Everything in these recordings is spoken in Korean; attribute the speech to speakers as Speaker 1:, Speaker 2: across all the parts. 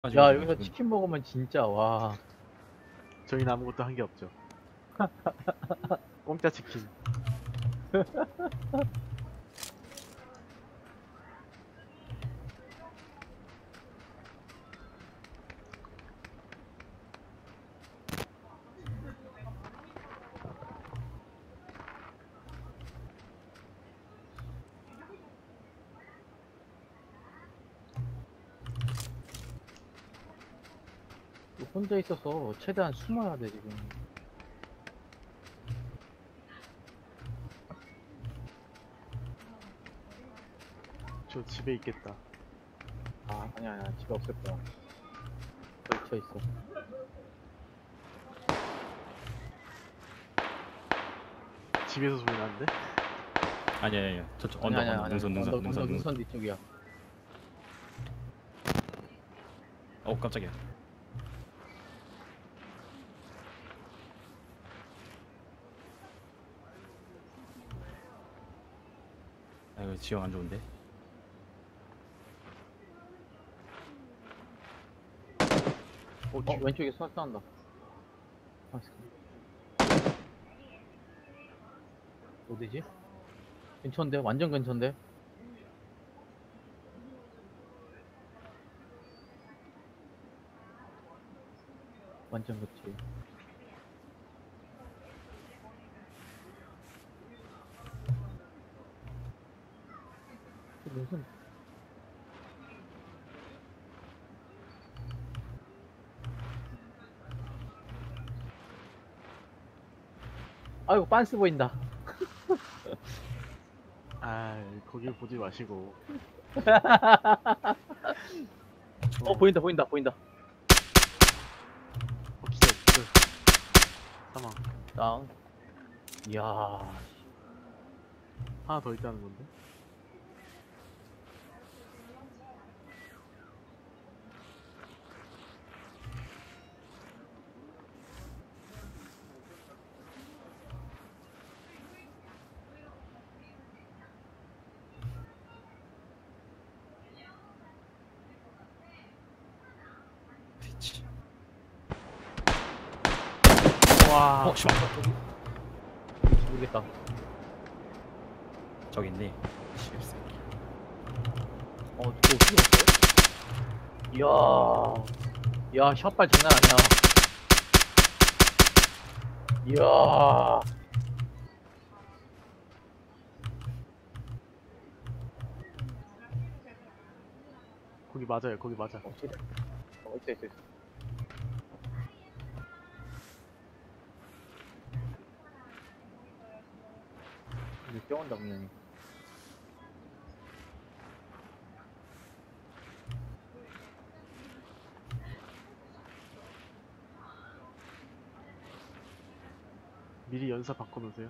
Speaker 1: 야, 여기서 치킨 먹으면 진짜 와.
Speaker 2: 저희는 아무것도 한 게 없죠. 공짜 치킨.
Speaker 1: 혼자 있어서 최대한 숨어야 돼 지금.
Speaker 2: 저 집에 있겠다.
Speaker 1: 아니야 집에 없을 거야. 걸쳐 있어.
Speaker 2: 집에서 소리 나는데?
Speaker 3: 아니야 저쪽 언덕 능선
Speaker 1: 뒤쪽이야.
Speaker 3: 깜짝이야. 이거 지형 안 좋은데?
Speaker 1: 왼쪽에 쏴 쏜다. 어디지? 근처인데? 완전 근처인데? 완전 그치. 무슨 아이고 빤스 보인다.
Speaker 2: 거길 보지 마시고.
Speaker 1: 보인다.
Speaker 2: 기절. 사망.
Speaker 1: 다운. 이야.
Speaker 2: 하나 더 있다는 건데?
Speaker 1: 와.
Speaker 3: 씨발.
Speaker 1: 모르겠다.
Speaker 3: 저기 있네.
Speaker 1: 또 휘었어? 이야, 샷발 장난 아니야. 이야.
Speaker 2: 거기 맞아요. 거기 맞아.
Speaker 1: 있어. 이제 뛰어온다 분명히.
Speaker 2: 미리 연사 바꿔놓으세요.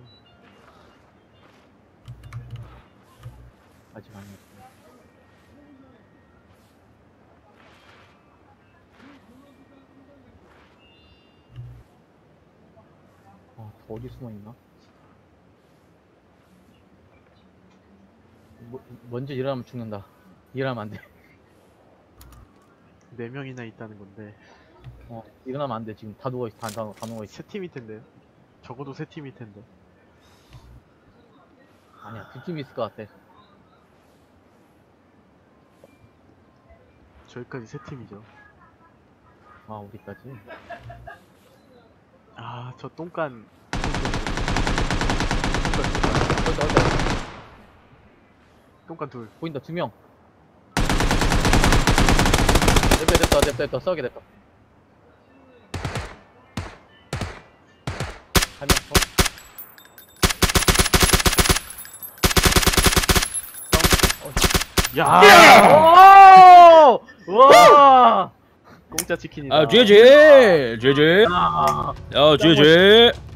Speaker 1: 아직 아니었어. 어디 숨어있나? 먼저 일어나면 죽는다. 일어나면 안 돼.
Speaker 2: 4명이나 있다는 건데.
Speaker 1: 일어나면 안 돼. 지금 다 누워있어. 다 누워있어.
Speaker 2: 세 팀일 텐데요? 적어도 세 팀일 텐데.
Speaker 1: 아니야, 두 팀 있을 것 같아.
Speaker 2: 저희까지 세 팀이죠.
Speaker 1: 우리까지?
Speaker 2: 저 똥간. 똥간 둘.
Speaker 1: 보인다, 2명. 됐다. 싸우게 됐다. 한 명,
Speaker 2: 야!
Speaker 1: 와!
Speaker 2: 공짜 치킨이다.
Speaker 3: GG.
Speaker 1: 아,
Speaker 3: GG.